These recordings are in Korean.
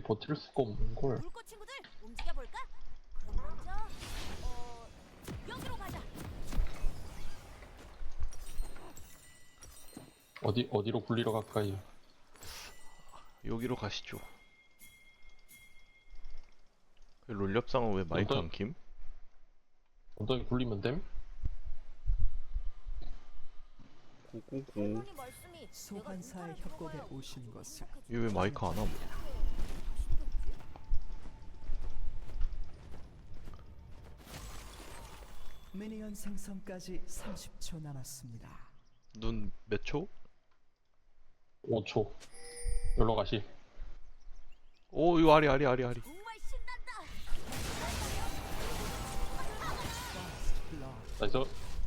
버틸 수가 없는 걸. 불꽃 친구들 움직여 볼까? 그럼 먼저 여기로 가자. 어디로 굴리러 갈까요? 여기로 가시죠. 롤렵상은 왜 마이크 안 킴? 엉덩이 굴리면 됨? 고고고. 할머니 말씀이 소환사의 협곡에 오신 것을 얘 왜 마이크 안 함? 미니언 생성까지 30초 남았습니다. 눈 몇 초? 5초. 여기로 가시. 오 이거 아리. 정말 신난다. 나이스.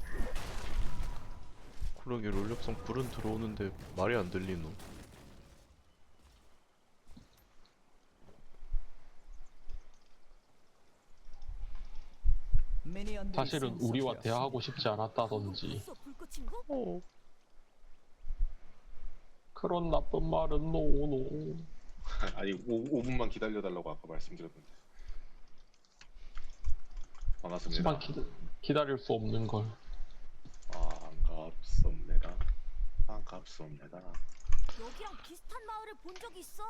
그러게 롤렵상 불은 들어오는데 말이 안 들리노. 미니언들이 사실은 우리와 생성되었습니다. 대화하고 싶지 않았다던지. 있어 불꽃 친구? 어. 그런 나쁜 말은 노노. 아니 5분만 기다려달라고 아까 말씀드렸는데 반갑습니다. 하지만 기다릴 수 없는 걸. 반갑습니다. 반갑습니다. 여기랑 비슷한 마을을 본 적이 있어.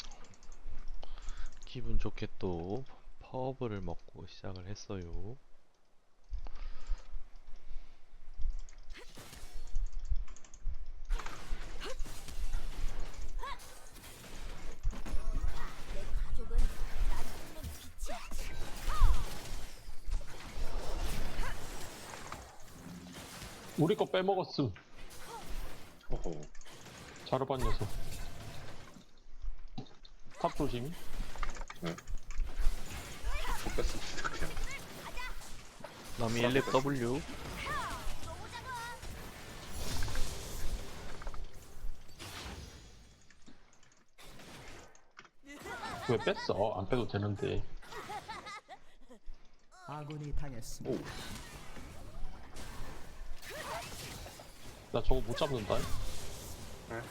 기분 좋게 또 파워블을 먹고 시작을 했어요. 내 가족은 날 믿는 빛이야. 우리 거 빼먹었음. 호호. 자르반 녀석. 탑 조심. 뺐습니다 그냥. 남이 1렙 W. 너무 작아. 왜 뺐어? 안 빼도 되는데. 아군이 당했습니다. 나 저거 못 잡는다. 네?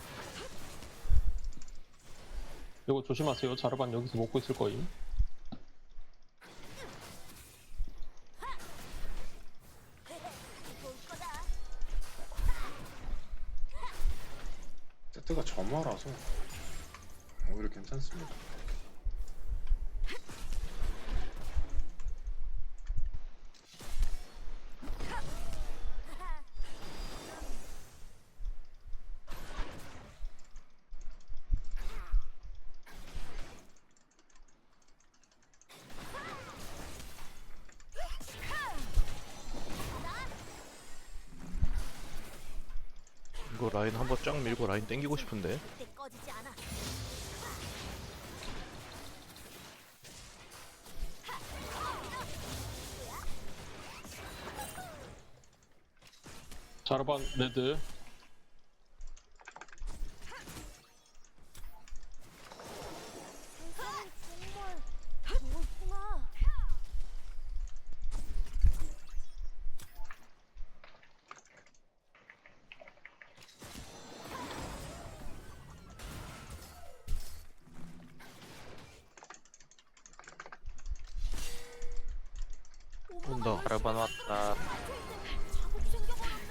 이거 조심하세요. 자르반 여기서 먹고 있을 거임. 볼 거다. 세트가 점화라서 오히려 괜찮습니다. 이거 라인 한번 쫙 밀고 라인 땡기고 싶은데. 그때 꺼지지 않아. 자르반 레드. 세상은 정말 넓구나. 온다. 자르반 왔다. 자국 생겨버렸네.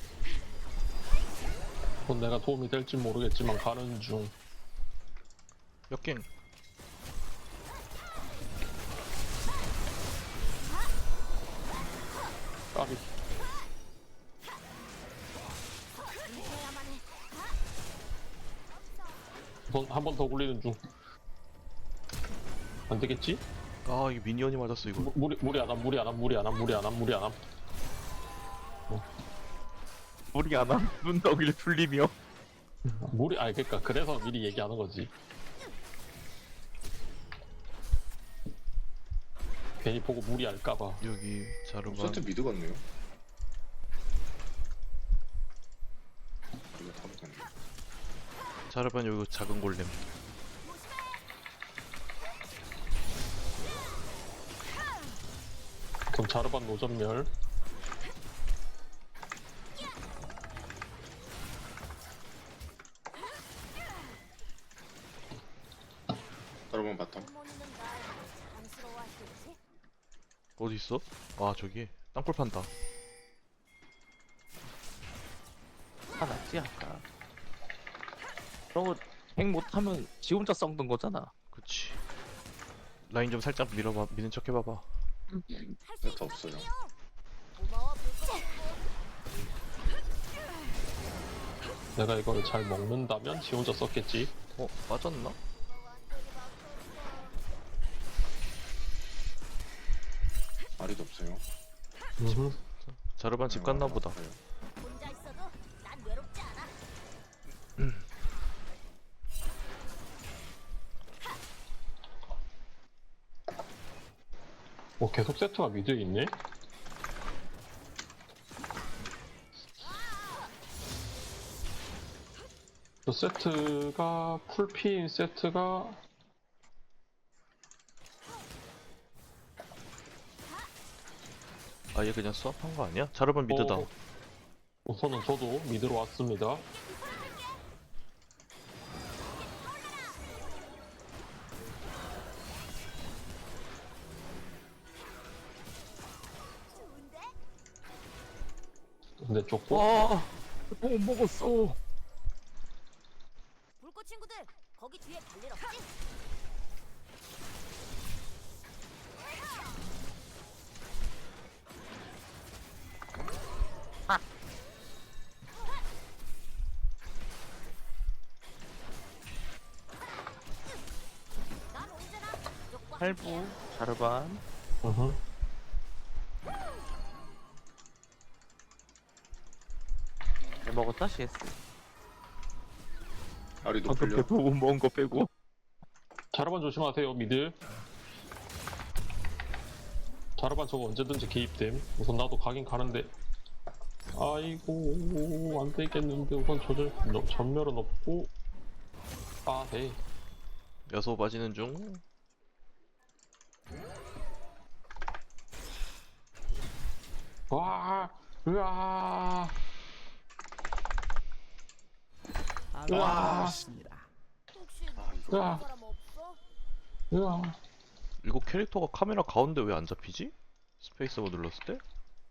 그건 내가 도움이 될지 모르겠지만 가는 중. 역갱. 까비. 해야만 해. 한 번 더 굴리는 중. 안 되겠지? 아 이게 미니언이 맞았어 이거. 무리 안 함. 우리 안 함. 눈덩이를 풀리며. 아니 그러니까 그래서 미리 얘기하는 거지. 괜히 보고 무리할까봐. 여기 자르반. 세트 미드 같네요. 이거 타보겠네. 자르반 여기 작은 골렘. 그럼 자르반 노전멸. 여러분 바텀. 할머니는 날 자랑스러워하시겠지? 어디 있어? 아 저기 땅굴 판다. 화났지 아까. 저거 핵 못하면 지 혼자 썩는 거잖아. 그치. 라인 좀 살짝 밀어봐. 미는 척 해봐봐. 할 수 네트 없어요. 고마워 불꽃. 내가 이거를 잘 먹는다면 지 혼자 썼겠지. 어 빠졌나? 아리도 없어요. 자르반 집 갔나 보다. 혼자 있어도 난 외롭지 않아. 계속 세트가 미드에 있네? 저 세트가 풀피인 세트가 아얘 그냥 수업한 거 아니야? 자르반 미드다. 우선은 저도 미드로 왔습니다. 좋은데? 근데 쫓고 와, 못 먹었어. 불꽃 친구들 거기 뒤에 갈 일 없지? 난 언제나 가족과 할부, 자르반. 으흠. 잘 먹었다 CS. 아리도 방금 풀려. 배못 먹은 거 빼고. 자르반 조심하세요 미드. 자르반 저거 언제든지 개입됨. 우선 나도 가긴 가는데 아이고 안 되겠는데. 우선 전멸은 없고 네. 여소 빠지는 중. 와 으아 아군이 으아. 당했습니다. 혹시 아, 이거. 좋아하는 야. 사람 없어? 으아 이거 캐릭터가 카메라 가운데 왜 안 잡히지? 스페이스바 눌렀을 때?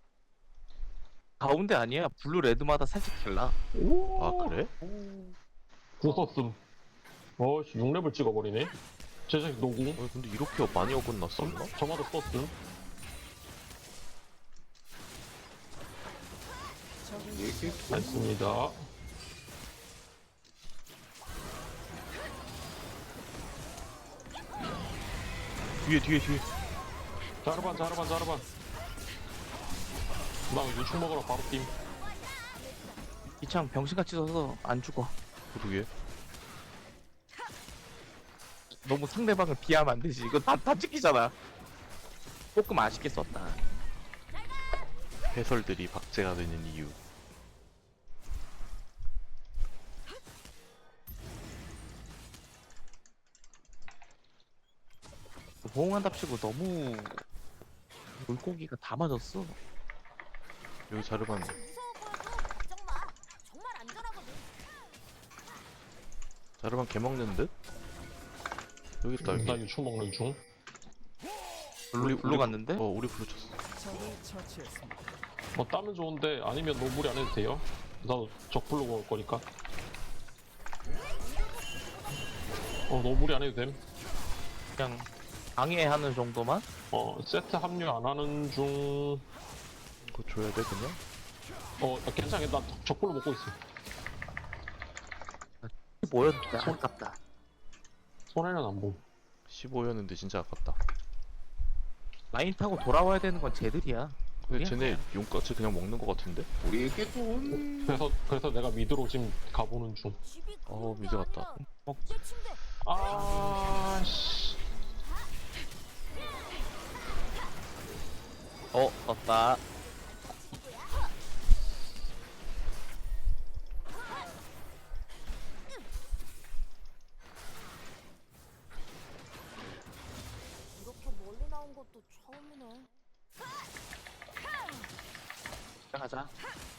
가운데 아니야. 블루 레드마다 살짝 달라. 아 그래? 부쉈음. 어씨 6렙을 찍어버리네. 제자식 노구. 근데 이렇게 많이 어긋났었나? 저마다 썼음. 얘기 맞습니다. 뒤에. 자르반. 나 유충 먹으러 바로 팀. 이창 병신같이 써서 안 죽어. 그러게. 너무 상대방을 비하면 안 되지. 이거 다 찍히잖아. 조금 아쉽게 썼다. 해설들이 박제가 되는 이유. 호응한답시고 너무 물고기가 다 맞았어. 여기 자르반 무서워 보여도 걱정 마. 정말 안전하거든. 자르반 개 먹는 듯? 여기 있다 나 여기. 유충 먹는 중. 블루 갔는데? 우리 블루 쳤어. 적을 처치했습니다. 따면 좋은데 아니면 너무 무리 안 해도 돼요. 나도 적불로 먹을 거니까. 너무 무리 안 해도 됨. 그냥 방해하는 정도만? 세트 합류 안 하는 중. 그거 줘야 돼 그냥? 괜찮아. 나 적불로 먹고 있어. 뭐였는데 아깝다. 손해는 안 봄. 15였는데 진짜 아깝다. 라인 타고 돌아와야 되는 건 쟤들이야. 근데 그냥 쟤네 용까지 그냥 먹는 거 같은데? 우리에게 돈. 그래서 내가 미드로 지금 가보는 중. 집이 어, 그런 게 미드 같다. 아니라 내 침대. 씨. 떴다. 이렇게 멀리 나온 것도 처음이네. 가자.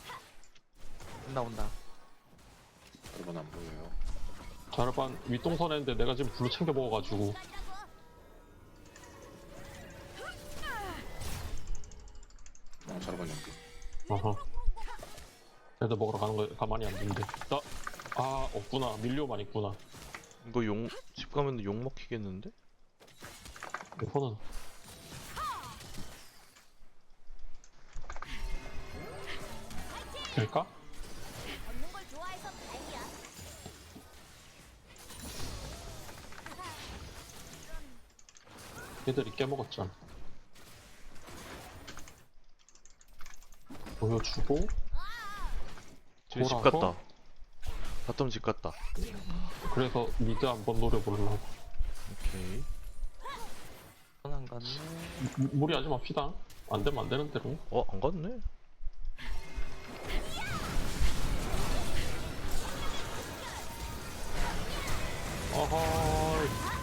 온다. 여러분 안 보여요. 자르반 윗동선 했는데 내가 지금 블루 챙겨 먹어가지고. 자르반 연기. 어허. 애들 먹으러 가는 거 가만히 안 두는데. 없구나. 밀려만 있구나. 이거 집 가면 욕 먹히겠는데? 이거는 될까? 걷는 걸 좋아해서 다행이야. 얘들이 깨먹었잖아. 보여주고 쟤 집 돌아서? 갔다. 바텀 집 갔다. 그래서 미드 한번 노려보려고. 오케이. 안 갔네. 무리하지 마 피다. 안 되면 안 되는 대로. 안 갔네? 어허.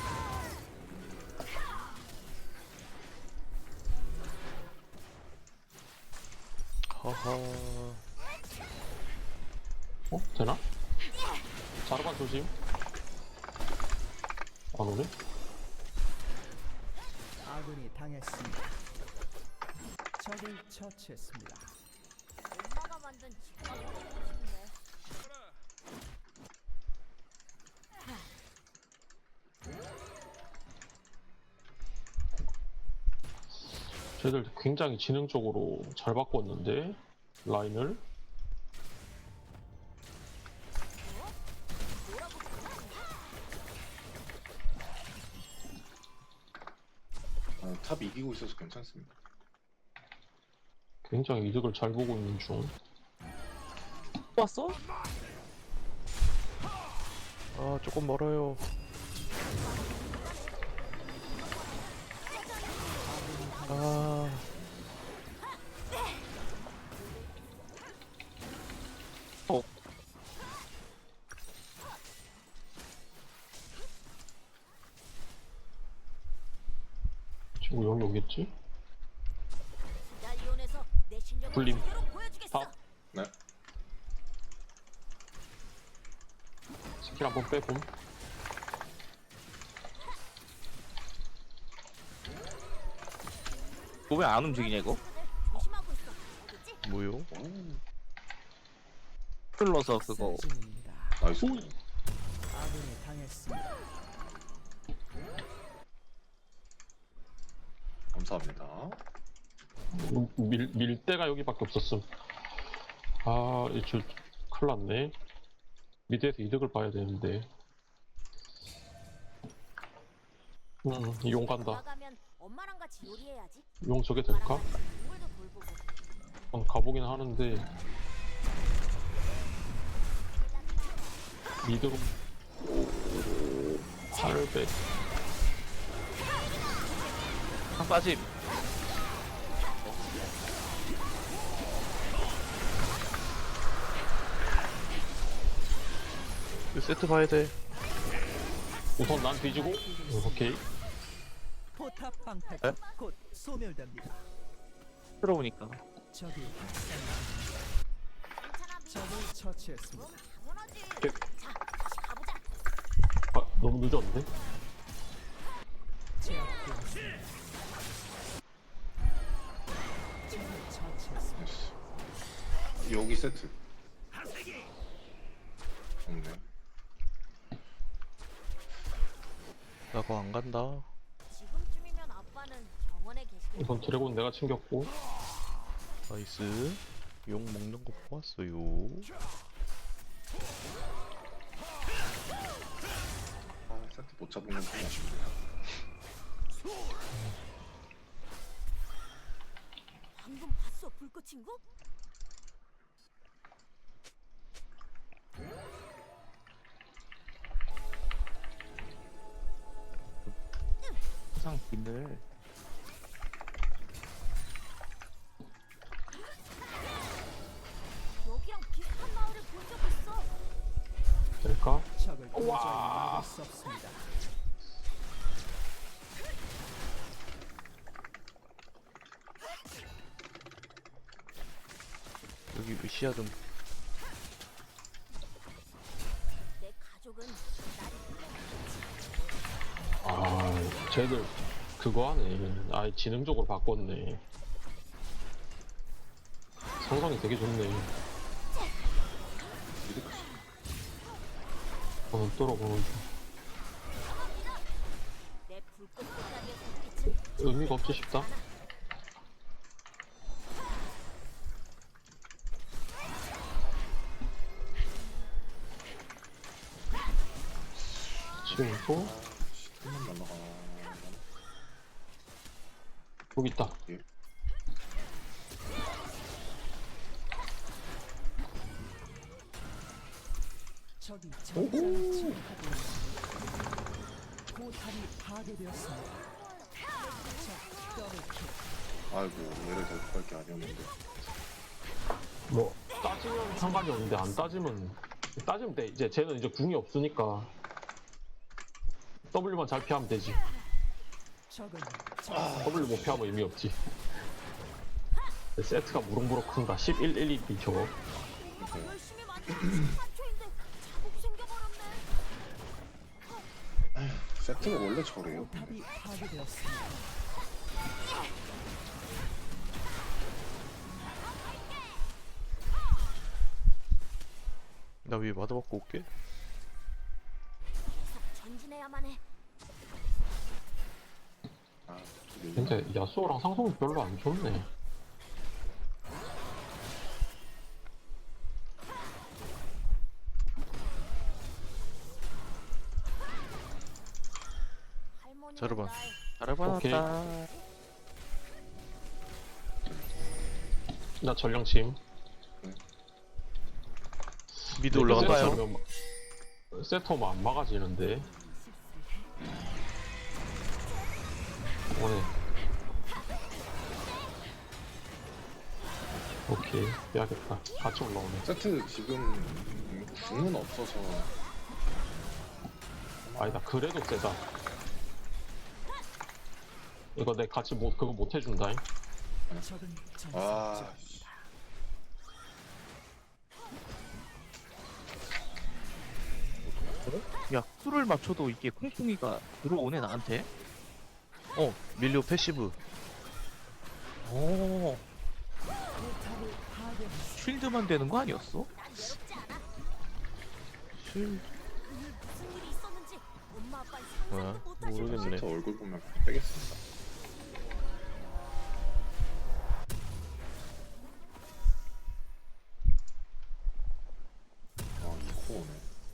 하하. 되나? 자르반 조심. 안 오네? 아군이 당했습니다. 적을 처치했습니다. 엄마가 만든 집밥 먹고 싶네. 쟤들 굉장히 지능적으로 잘 바꿨는데 라인을. 탑 이기고 있어서 괜찮습니다. 굉장히 이득을 잘 보고 있는 중. 또 왔어? 조금 멀어요. 아, 지금 여기 오겠지? 날 이용해서 내 실력을 불림. 제대로 보여주겠어. 아. 네. 스킬 한번 빼봄. 이거 왜 안 움직이냐 이거? 조심하고 있어. 알겠지? 뭐요? 오, 흘러서 그거. 승진입니다. 나이스. 아군이 당했습니다. 감사합니다. 밀 데가 여기밖에 없었음. 저 큰일 났네. 미드에서 이득을 봐야 되는데. 용 간다. 나가면 엄마랑 같이 요리해야지. 용 저게 될까? 엄마랑 같이 동물도 돌보고. 가보긴 하는데 미드로 800. 한 빠짐. 이거 세트 봐야 돼. 우선 난 뒤지고. 오케이. 포탑 방패 에? 곧 소멸됩니다. 들어오니까. 적이 학살. 괜찮아. 적을 처치했습니다. 그럼 당연하지. 오케이. 자, 다시 가보자. 너무 늦었는데? 제압되었습니다. 적을 처치했습니다. 나이스. 여기 세트. 없네. 나 그거 안 간다. 지금쯤이면 아빠는 정원에 계시겠지. 우선 드래곤 내가 챙겼고. 나이스. 욕 먹는 거 보았어요. 세트 못 잡은 건 좀 아쉽네요. 방금 봤어, 불꽃 친구? 항상 비늘. 여기랑 비슷한 마을을 본 적 있어. 될까? 적을 도저히 막을 수 없습니다. 여기 시야 좀. 내 가족은 나를 쟤들 그거 하네. 지능적으로 바꿨네. 상상이 되게 좋네. 미드까지. 뚫어보는 중. 내 불꽃 보따리의 불빛은 의미가 없지 싶다. 지금 또 한번 날라가. 여기 있다. 적이 전장을 침입하고 있습니다. 포탑이 파괴되었습니다. 적 더블킬. 아이고 얘를 대폭할 게 아니었는데. 뭐 따지면 상관이 없는데 안 따지면 돼. 이제 쟤는 이제 궁이 없으니까 W만 잘 피하면 되지. 적은 W 못 피하면 의미 없지. 세트가 무럭무럭 큰다. 11, 1, 2, 저거. 열심히 만든 14초인데 자국 생겨버렸네. 세트가 원래 저래요. 포탑이 파괴되었습니다. 나 위에 마드 받고 올게. 계속 전진해야만 해. 아, 저기 근데 야수호랑 상성이 별로 안 좋네. 할머니는 자르반. 날 오케이. 잘해봤다. 나 전령침. 미드 올라간다요. 세트 오면 안 막아지는데. 오네. 오케이. 빼야겠다. 같이 올라오네. 세트 지금 궁은 없어서 아니다. 그래도 세다. 이거 내 같이 그거 못 해준다. 적은 아 전설적. 야, 쿨을 맞춰도 이게 콩콩이가 들어오네 나한테. 밀리오 패시브. 오, 포탑을 파괴했습니다. 쉴드만 되는 거 아니었어? 난 외롭지 않아. 실. 무슨 일이 있었는지 엄마 아빠는 뭐야? 상상도 못하실 거야. 모르겠네. 세트 얼굴 보면 그냥 빼겠습니다. 아 이코 오네.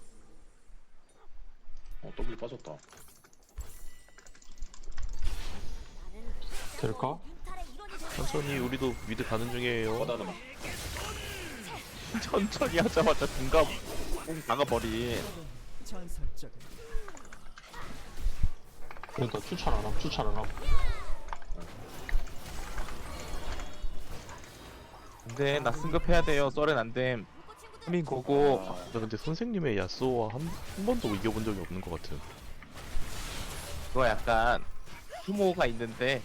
W 빠졌다. 나는 될까? 뮤탈의 일원이 될 거야. 천천히 우리도 미드 가는 중이에요. 바다는 막 천천히 하자마자 중간 나가버린. 적은 전설적인. 그러니까 추천 안 함. 근데 나 승급해야 돼요. 썰엔 안 됨. 불꽃 친구들 하민 고고. 나 근데 선생님의 야스오와 한 번도 이겨본 적이 없는 것 같은. 그거 약간 후모가 있는데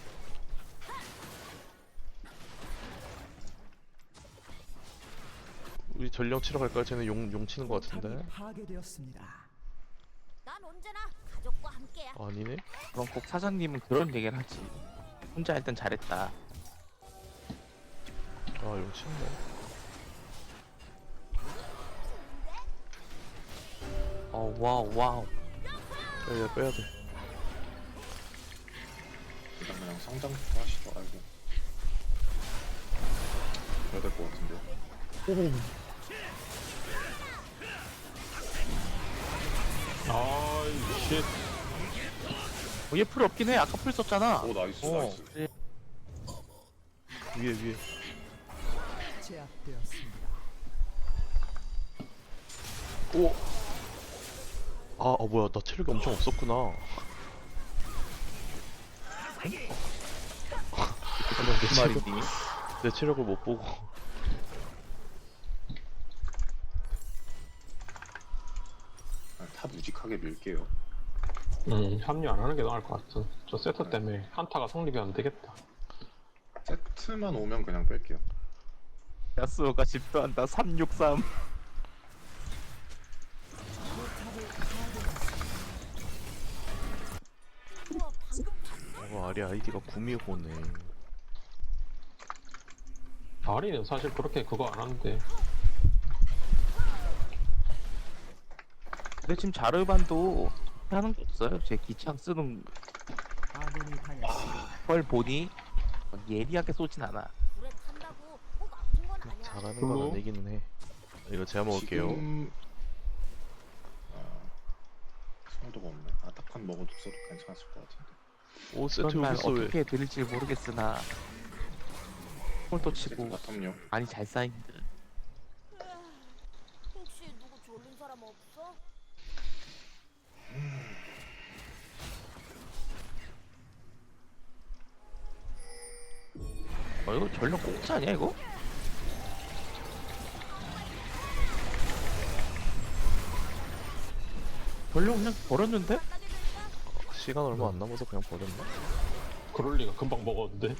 우리 전령 치러 갈까요? 쟤는 용 치는 것 포탑이 같은데. 파괴되었습니다. 난 언제나 가족과 함께야. 아니네. 그럼 꼭 사장님은 그런 얘기를 하지. 혼자 할 땐 잘했다. 용 치네. 와우 와우. 빼야 돼. 일단 그냥 성장부터 하시죠. 아이고. 해야 될 것 같은데. 아이 쉣. 얘 풀 없긴 해. 아까 풀 썼잖아. 오 나이스 어. 나이스. 위에. 제압되었습니다. 오. 뭐야. 나 체력이 엄청 없었구나. 무슨 말이니? 내 체력을 못 보고. 탑 우직하게 밀게요. 합류 안 하는 게 나을 것 같은. 저 세트 때문에 한타가 성립이 안 되겠다. 세트만 오면 그냥 뺄게요. 야스오가 집도한다. 363. 우와, 방금 봤어? 아리 아이디가 구미호네. 다리는 사실 그렇게 그거 안 하는데. 근데 지금 자르반도 하는 게 없어요. 제 기창 쓰는 아군이 당했습니다. 걸 보니 예리하게 쏘진 않아. 불에 탄다고 꼭 아픈 건 아니야. 잘하는 그리고- 건 아니기는 해. 이거 제가 먹을게요. 지금 소도가 없네. 아타칸 먹어도 써도 괜찮았을 것 같은데. 오 세트 그런 날 여기 있어 왜? 어떻게 드릴지 모르겠으나 홀도 세트 치고 바텀요. 많이 잘 쌓인 듯. 혹시 누구 졸린 사람 없어? 이거 전력 공짜 아니야 이거? 전력 그냥 버렸는데? 따게 될까? 시간 얼마 안 남아서 그냥 버렸나? 그럴 리가 금방 먹었는데.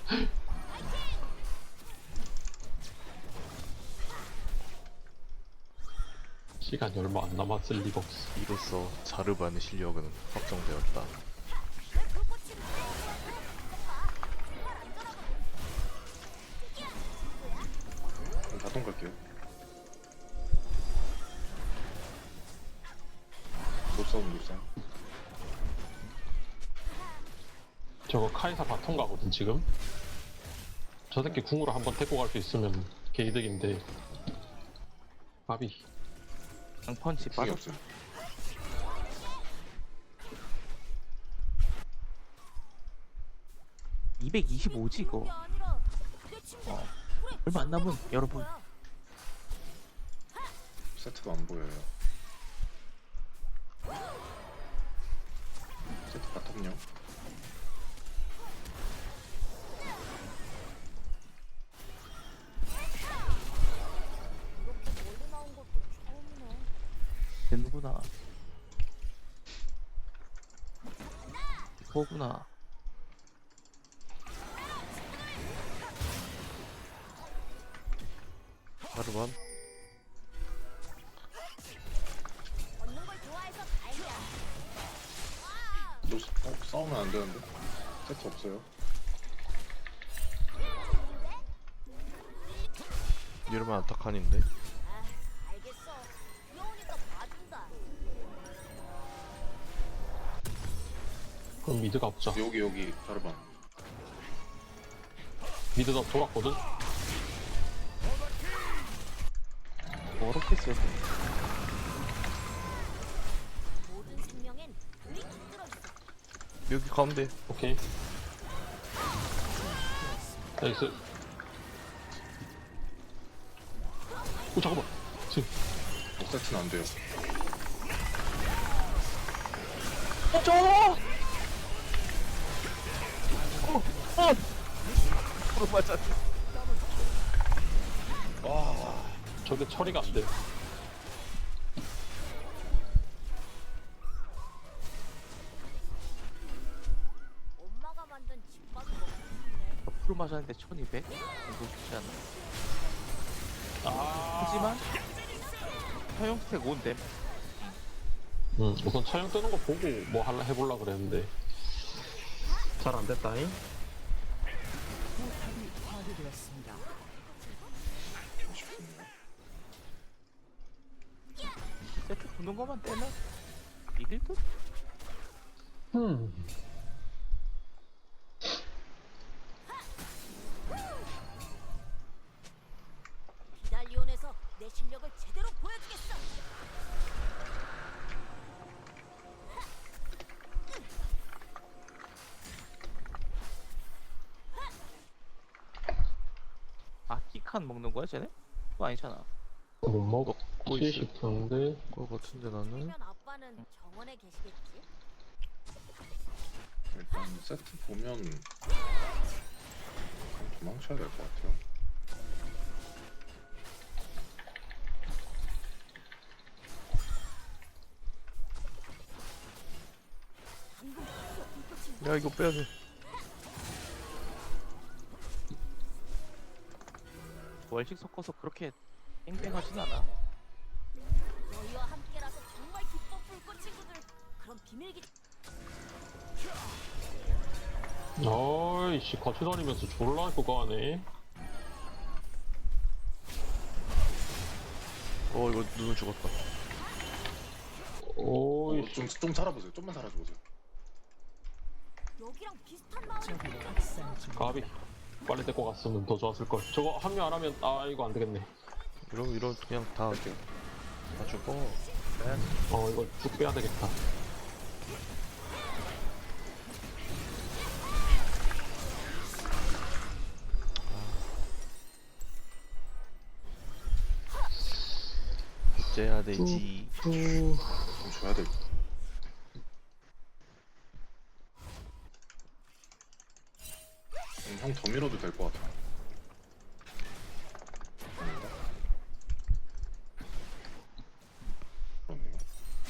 시간이 얼마 안 남았을 리가 없어. 이로써 자르반의 실력은 확정되었다. 왜 불꽃이 정말 안전하거든. 그럼 바텀 갈게요. 노싸움. 저거 카이사 바텀 가거든 지금. 저 새끼 궁으로 한번 데리고 갈 수 있으면 개이득인데. 바비. 그냥 펀치 궁이 빠졌. 없음. 이 225지 이거. 그게 아니라 내 친구. 어. 그래, 얼마 안 남은 친구가 여러분. 거야. 세트가 안 보여요. 세트 바텀요. 이렇게 멀리 나온 것도 처음이네. 되는구나. 이거구나. 자르반 얻는 걸 좋아해서 다행이야. 와, 싸우면 안 되는데. 세트 없어요. 이러면 아타칸인데. 아, 알겠어. 귀여우니까 봐준다. 그럼 미드가 없자. 여기 자르반. 미드 다 돌았거든. 어렵게 쓰였어. 모든 생명엔 불이 깃들어 있어. 여기 가운데. 오케이. 나이스. 오 잠깐만. 지금 세트는 안 돼요. 프로 맞아. 저게 처리가 안 돼. 엄마가 만든 집밥이 먹고 싶네. 프로 맞았는데 1200? 이거 쉽지 않아. 하지만 사용 스택 5인데 우선 차영 뜨는 거 보고 뭐 할라 해볼라 그랬는데 잘 안 됐다잉. 포탑이 파괴되었습니다. 세트 붙는 것만 떼면 이길 듯? 기달리온에서 내 실력을 제대로 보여주겠어. 아 키칸 먹는 거야 쟤네? 그거 아니잖아. 못 먹고 있어요. 싶은데. 그거 같은데 나는. 그러면 아빠는 정원에 계시겠지? 일단 세트 보면 그냥 도망쳐야 될 것 같아요. 야 이거 빼야 돼. 월식 섞어서 그렇게 땡땡하진 않아. 너희와 함께라서 정말 기뻐 불꽃 친구들. 그럼 비밀기 어이씨 같이 다니면서 졸라 그거 하네. 이거 누누 죽었다. 오이 좀 살아보세요. 좀만 살아주세요. 여기랑 비슷한 마을이 적이 학살 중. 가비 빨리 데리고 갔으면 더 좋았을 걸. 저거 합류 안 하면 이거 안 되겠네. 이러면 그냥 다 죽어. 이거 쭉 빼야 되겠다. 어째야 되지? 좀 줘야 돼. 형 더 밀어도 될 것 같아. 아닌가? 그렇네요.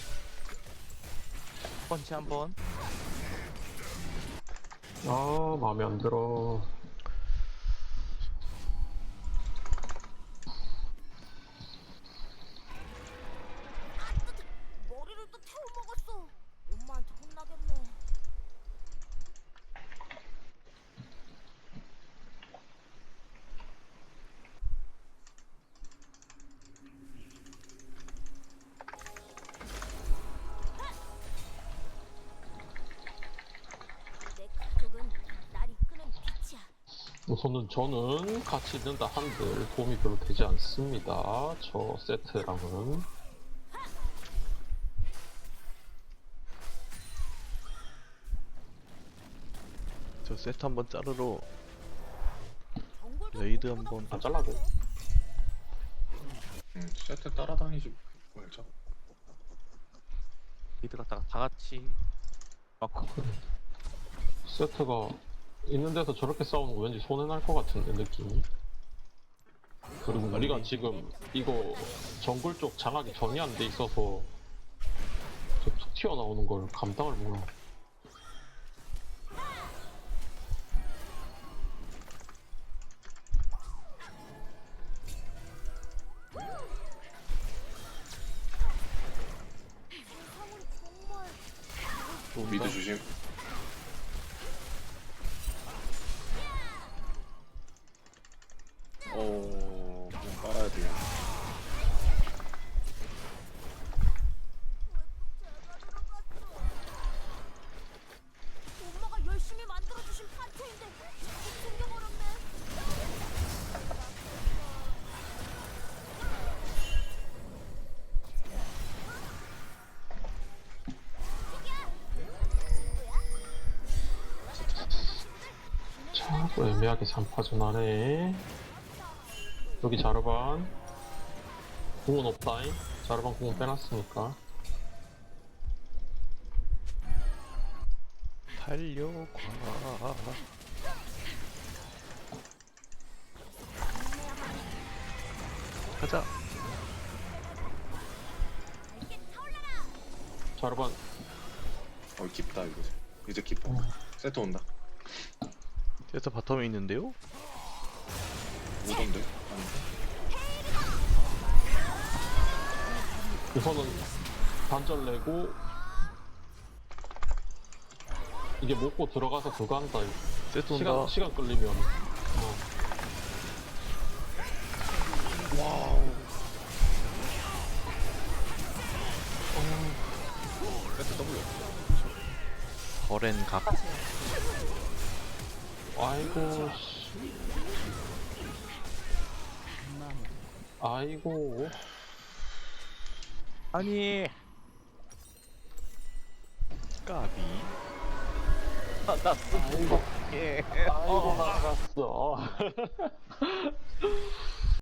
펀치 한번. 마음에 안 들어. 머리를 또 태워 먹었어. 엄마한테 혼나겠네. 내 가족은 날 이끄는 빛이야. 우선은 저는 같이 있는다 한들 도움이 별로 되지 않습니다. 저 세트랑은. 저 세트 한번 자르러 정글도 레이드 보다 한번 안 잘라도. 세트 따라다니지 말자. 리드 갔다가 다 같이 막 세트가 있는 데서 저렇게 싸우는 거 왠지 손해날 것 같은데 느낌이. 그리고 우리가 지금 이거 정글 쪽 장악이 전이 안 돼 있어서 저 툭 튀어나오는 걸 감당을 못해. 세상은 정말 미드 주심. 그냥 빨아야 돼요. 엄마가 열심히 만들어주신 판초인데 자꾸 생겨버렸네. 자, 또 애매하게 3파전 하네. 여기 자르반. 궁은 없다잉. 자르반 궁은 빼놨으니까. 달려과. 가자. 자르반. 깊다 이거. 이제 깊어. 세트 온다. 세트 바텀에 있는데요? 오던데? 아닌데? 우선은 단절 내고 이게 먹고 들어가서 그거 한다. 이거. 세트 온다. 시간 끌리면. 세트 W. 거렌 각. 아이고 씨. 아이고. 아니 까비. 나 쓰고 아이고 나갔어.